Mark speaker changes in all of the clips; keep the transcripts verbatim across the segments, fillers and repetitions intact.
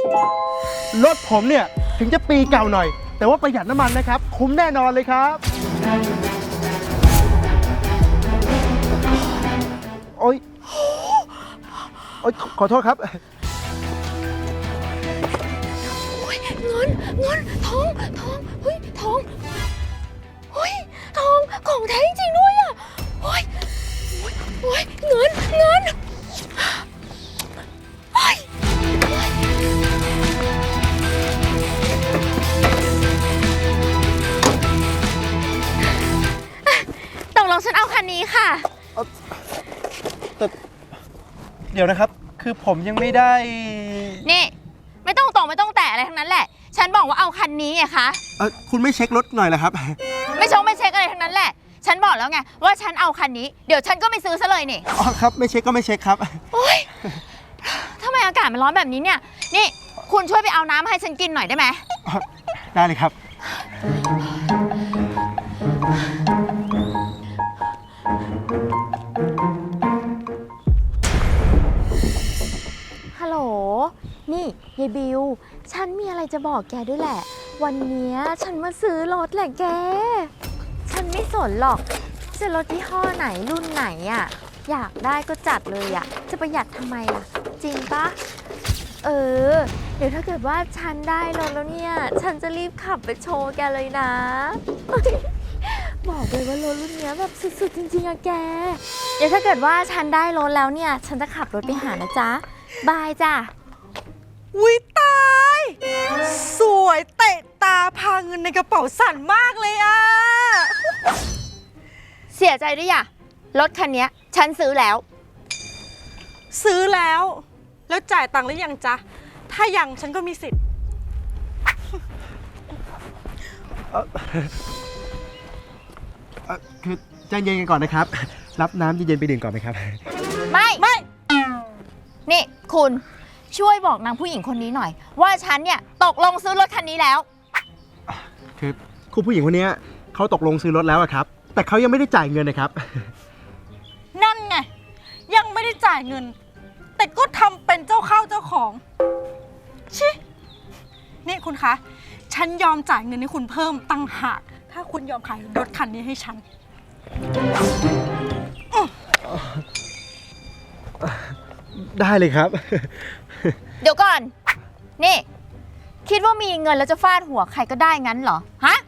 Speaker 1: รถผมเนี่ยถึงจะปีเก่าหน่อยแต่ว่าประหยัดน้ำมันนะครับคุ้มแน่นอนเลยครับโอ๊ยโอ๊ยขอโทษครับ
Speaker 2: เงินเงินทองทองเฮ้ยทองเฮ้ยทองของแท้จริงด้วยอ่ะเฮ้ยโอ้ยเงินเงินเฮ้ยตกลงฉันเอาคันนี้ค่ะ
Speaker 1: แต่เดี๋ยวนะครับคือผมยังไม่ได้
Speaker 2: นี่ไม่ต้องตกไม่ต้องแตะอะไรทั้งนั้นแหละฉันบอกว่าเอาคันนี้ไงคะ
Speaker 1: เออคุณไม่เช็ครถหน่อยเหรอครับ
Speaker 2: ไม่ชงไม่เช็คอะไรทั้งนั้นแหละฉันบอกแล้วไงว่าฉันเอาคันนี้เดี๋ยวฉันก็ไม่ซื้อซะเลยนี่
Speaker 1: อ๋อครับไม่เช็คก็ไม่เช็คครับ
Speaker 2: โอ๊ยทำไมอากาศมันร้อนแบบนี้เนี่ยนี่คุณช่วยไปเอาน้ำให้ฉันกินหน่อยได้ไหม
Speaker 1: ได้เลยครับ
Speaker 2: ฮัลโหลนี่ยายบิวฉันมีอะไรจะบอกแกด้วยแหละวันนี้ฉันมาซื้อรถแหละแกฉันไม่สนหรอกจะรถยี่ห้อไหนรุ่นไหนอ่ะอยากได้ก็จัดเลยอ่ะจะประหยัดทำไมล่ะจริงปะเออเดี๋ยวถ้าเกิดว่าฉันได้รถแล้วเนี่ยฉันจะรีบขับไปโชว์แกเลยนะบอกเลยว่ารถรุ่นนี้แบบสุดๆจริงๆอะแกเดี๋ยวถ้าเกิดว่าฉันได้รถแล้วเนี่ยฉันจะขับรถไปหานะจ๊ะบายจ้ะ
Speaker 3: อุ๊ยตายสวยเตะตาพาเงินในกระเป๋าสั่นมากเลยอะ
Speaker 2: เสียใจด้วยอ่ะรถคันนี้ฉันซื้อแล้ว
Speaker 3: ซื้อแล้วแล้วจ่ายตังค์หรือยังจ๊ะถ้ายังฉันก็มีสิทธิ์
Speaker 1: คือใจเย็นกันก่อนนะครับรับน้ำเย็นๆไปดื่มก่อนไหมครับ
Speaker 2: ไม่ไม่นี่คุณช่วยบอกนางผู้หญิงคนนี้หน่อยว่าฉันเนี่ยตกลงซื้อรถคันนี้แล้ว
Speaker 1: คือคุณผู้หญิงคนนี้เขาตกลงซื้อรถแล้วครับแต่เขายังไม่ได้จ่ายเงินนะครับ
Speaker 3: นั่นไงยังไม่ได้จ่ายเงินแต่ก็ทำเป็นเจ้าเข้าเจ้าของชินี่คุณคะฉันยอมจ่ายเงินให้คุณเพิ่มตั้งหากถ้าคุณยอมขายรถคันนี้ให้ฉัน
Speaker 1: ได้เลยครับ
Speaker 2: เดี๋ยวก่อนนี่คิดว่ามีเงินแล้วจะฟาดหัวใครก็ได้งั้นเหรอฮะ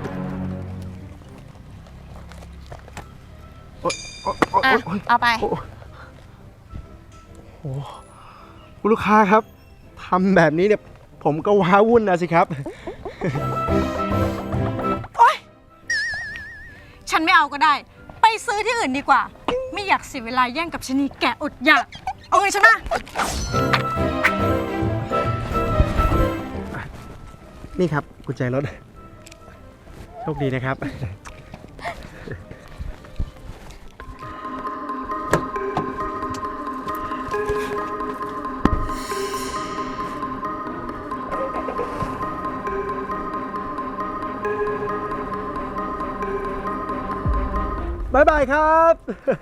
Speaker 2: อ่ะเอาไป
Speaker 1: โอ้คุณลูกค้าครับทำแบบนี้เนี่ยผมก็ว้าวุ่นนะสิครับ
Speaker 3: โอ๊ยฉันไม่เอาก็ได้ไปซื้อที่อื่นดีกว่าไม่อยากเสียเวลาแย่งกับชนีแก่อดอยากเอาเงินฉันมา
Speaker 1: นี่ครับกุญแจรถโชคดีนะครับบ๊ายบายครับ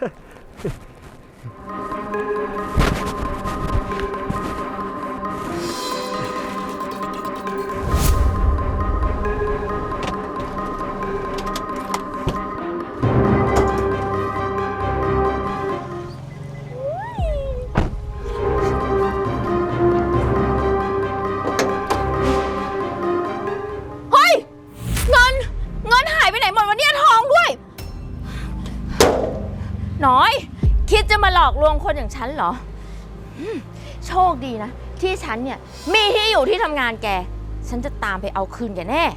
Speaker 2: น้อยคิดจะมาหลอกลวงคนอย่างฉันเหรอโชคดีนะที่ฉันเนี่ยมีที่อยู่ที่ทำงานแกฉันจะตามไปเอาคืนแกแน่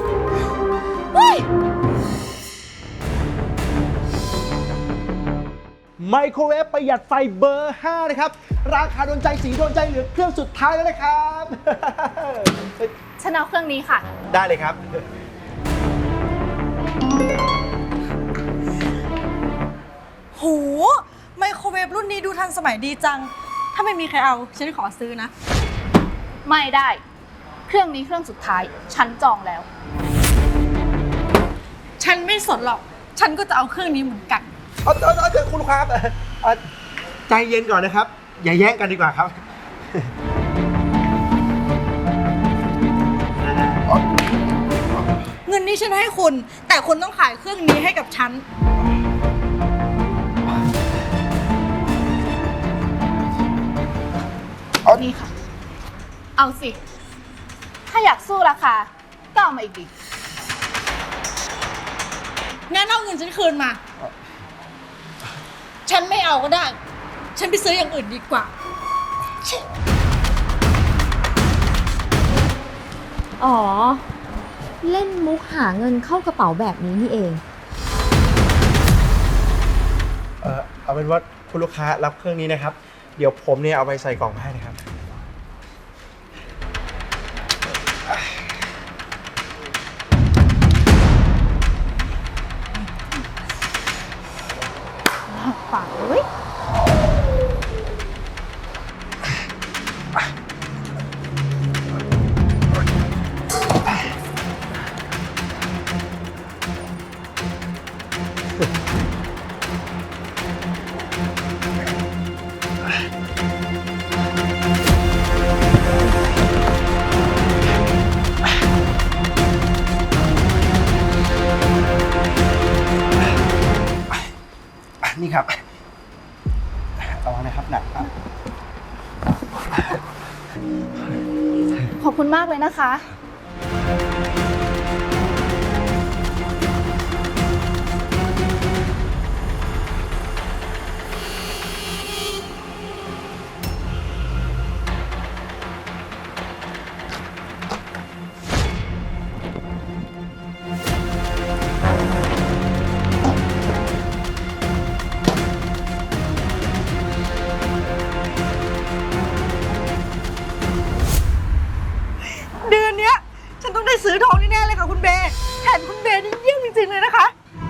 Speaker 1: ไมโครเวฟประหยัดไฟเบอร์ห้านะครับราคาโดนใจสีโดนใจเหลือเครื่องสุดท้ายแล้วนะครับ
Speaker 2: ฉันเอาเครื่องนี้ค่ะ
Speaker 1: ได้เลยครับ
Speaker 3: โหไมโครเวฟรุ่นนี้ดูทันสมัยดีจังถ้าไม่มีใครเอาฉันขอซื้อนะ
Speaker 2: ไม่ได้เครื่องนี้เครื่องสุดท้ายฉันจองแล้ว
Speaker 3: ฉันไม่สนหรอกฉันก็จะเอาเครื่องนี้เหมือนกัน
Speaker 1: เอาเอาเอาเดี๋ยวคุณลูกค้าใจเย็นก่อนนะครับอย่าแย่งกันดีกว่าครับ
Speaker 3: นี้ฉันให้คุณ แต่คุณต้องขายเครื่องนี้ให้กับฉัน
Speaker 1: เอา
Speaker 4: นี่ค่ะ เอาสิ ถ้าอยากสู้ราคา ก็เอามาอีกดิ
Speaker 3: งั้นเอาเงินฉันคืนมา ฉันไม่เอาก็ได้ ฉันไปซื้ออย่างอื่นดีกว่า
Speaker 2: อ๋อ เล่นมุกหาเงินเข้ากระเป๋าแบบนี้นี่เอง
Speaker 1: เออเอาเป็นว่าคุณลูกค้ารับเครื่องนี้นะครับ เดี๋ยวผมเนี่ยเอาไปใส่กล่องให้นะครับ
Speaker 4: ฝากเลย
Speaker 1: นี่ครับ เอานะครับหนักอ่ะ
Speaker 4: ขอบคุณมากเลยนะคะ
Speaker 3: เดือนเนี้ย ฉันต้องได้ซื้อทองแน่ๆเลยค่ะคุณเบย์แถมคุณเบย์นี่เยี่ยมจริงๆเลยนะคะ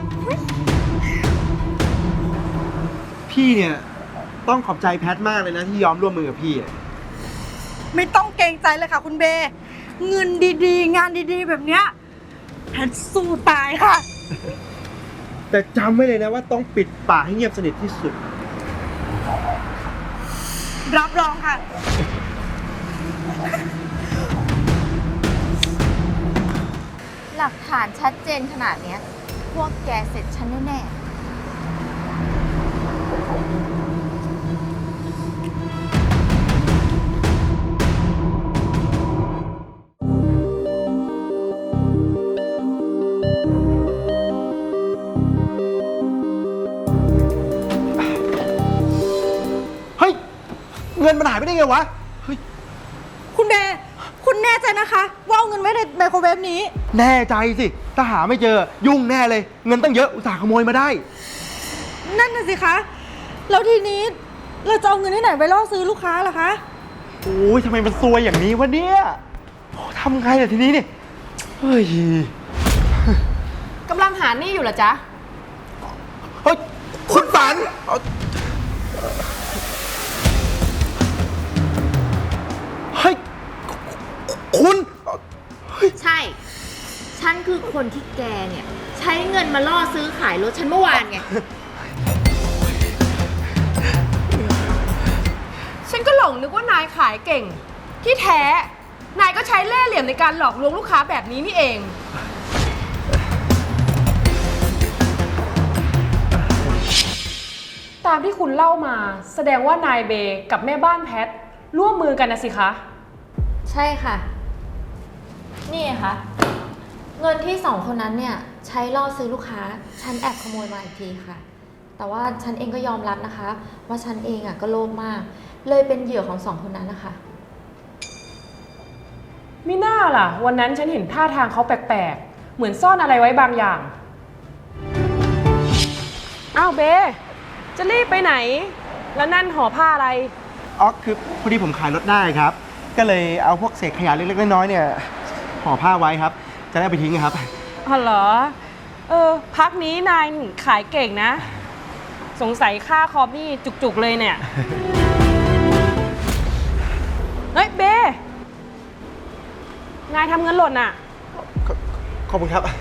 Speaker 1: พี่เนี่ยต้องขอบใจแพทมากเลยนะที่ยอมร่วมมือกับพี่อะ
Speaker 3: ไม่ต้องเกรงใจเลยค่ะคุณเบย์เงินดีๆ งานดีๆ แบบเนี้ยแพทสู้ตายค่ะ
Speaker 1: แต่จำไว้เลยนะว่าต้องปิดปากให้เงียบสนิทที่สุด
Speaker 3: รับรองค่ะ
Speaker 2: หลักฐานชัดเจนขนาดเนี้ย พวกแกเสร็จฉันแน่ๆ
Speaker 1: เฮ้ย เงินมันหายไปได้ไงวะ เฮ้ย
Speaker 3: คุณเบย์คุณแน่ใจนะคะ ว่าเอาเงินไว้ในไมโครเวฟนี้
Speaker 1: แน่ใจสิ ถ้าหาไม่เจอยุ่งแน่เลย เงินตั้งเยอะอุตส่าห์ขโมยมาได้
Speaker 3: นั่นน่ะสิคะ แล้วทีนี้เราจะเอาเงินที่ไหนไปล่อซื้อลูกค้าล่ะคะ
Speaker 1: โอ้ยทำไมมันซวยอย่างนี้วะเนี่ยโอ้ทำไงล่ะทีนี้เนี่ย เฮ้ย
Speaker 4: กำลังหานี่อยู่เหรอจ๊ะ
Speaker 1: เฮ้ย คุณฝันเอาเฮ้ย คุณ
Speaker 2: ใช่ ฉันคือคนที่แกเนี่ย ใช้เงินมาล่อซื้อขายรถฉันเมื่อวานไง
Speaker 4: ฉันก็หลงนึกว่านายขายเก่ง ที่แท้ นายก็ใช้เล่ห์เหลี่ยมในการหลอกลวงลูกค้าแบบนี้นี่เอง ตามที่คุณเล่ามาแสดงว่านายเบย์กับแม่บ้านแพทร่วมมือกันนะสิคะ
Speaker 2: ใช่ค่ะ นี่ไงคะเงินที่สองคนนั้นเนี่ย ใช้ล่อซื้อลูกค้า ฉันแอบขโมยมาอีกทีค่ะ แต่ว่าฉันเองก็ยอมรับนะคะ ว่าฉันเองอ่ะก็โลภมาก เลยเป็นเหยื่อของสองคนนั้นนะคะ
Speaker 4: มิน่าล่ะ วันนั้นฉันเห็นท่าทางเขาแปลกๆ เหมือนซ่อนอะไรไว้บางอย่าง อ้าวเบจะรีบไปไหน แล้วนั่นห่อผ้าอะไร
Speaker 1: อ๋อ คือพอดีผมขายรถได้ครับ ก็เลยเอาพวกเศษขยะเล็กๆน้อยๆเนี่ยห่อผ้าไว้ครับ จะได้เอาไปทิ้งครับ
Speaker 4: อ๋อเหรอ เออ พักนี้นายขายเก่งนะ สงสัยค่าคอมนี่จุกๆเลยเนี่ย เฮ้ยเบนายทำเงินหล่นอ่ะ
Speaker 1: ขอขอบคุณครับ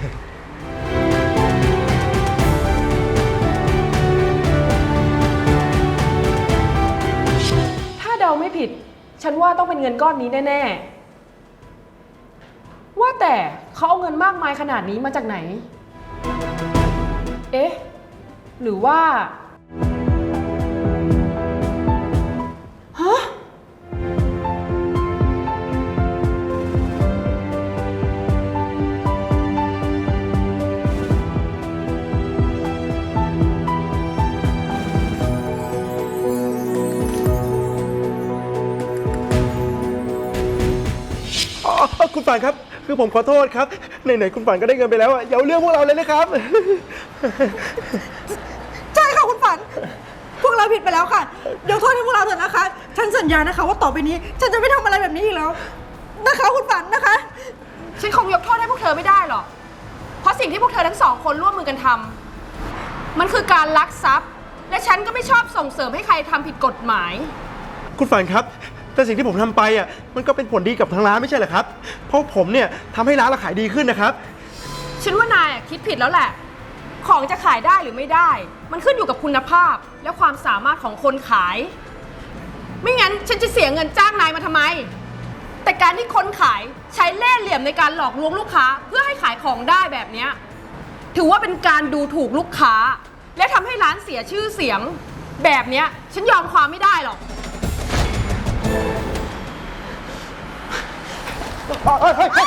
Speaker 4: ถ้าเดาไม่ผิด ฉันว่าต้องเป็นเงินก้อนนี้แน่ว่าแต่เขาเอาเงินมากมายขนาดนี้มาจากไหน เอ๊ะ หรือว่า ฮะ
Speaker 1: อ๋อคุณฝันครับ คือผมขอโทษครับไหนๆคุณฝันก็ได้เงินไปแล้วอะอย่าเอาเรื่องพวกเราเลยนะครับ
Speaker 3: ใช่ค่ะคุณฝัน พวกเราผิดไปแล้วค่ะยกโทษให้พวกเราเถอะนะคะ ฉันสัญญานะคะว่าต่อไปนี้ ฉันจะไม่ทำอะไรแบบนี้อีกแล้ว นะคะคุณฝันนะคะ
Speaker 4: ฉันคงยกโทษให้พวกเธอไม่ได้หรอก เพราะสิ่งที่พวกเธอทั้งสองคนร่วมมือกันทำ มันคือการลักทรัพย์ และฉันก็ไม่ชอบส่งเสริมให้ใครทำผิดกฎหมาย
Speaker 1: คุณฝันครับ แต่สิ่งที่ผมทำไปอ่ะมันก็เป็นผลดีกับทางร้านไม่ใช่เหรอครับ เพราะผมเนี่ยทำให้ร้านเราขายดีขึ้นนะครับ
Speaker 4: ฉันว่านายอะคิดผิดแล้วแหละ ของจะขายได้หรือไม่ได้ มันขึ้นอยู่กับคุณภาพและความสามารถของคนขาย ไม่งั้นฉันจะเสียเงินจ้างนายมาทำไม แต่การที่คนขายใช้เล่ห์เหลี่ยมในการหลอกลวงลูกค้าเพื่อให้ขายของได้แบบเนี้ยถือว่าเป็นการดูถูกลูกค้า และทำให้ร้านเสียชื่อเสียง แบบเนี้ยฉันยอมความไม่ได้หรอก
Speaker 1: เฮ้ยเฮ้ย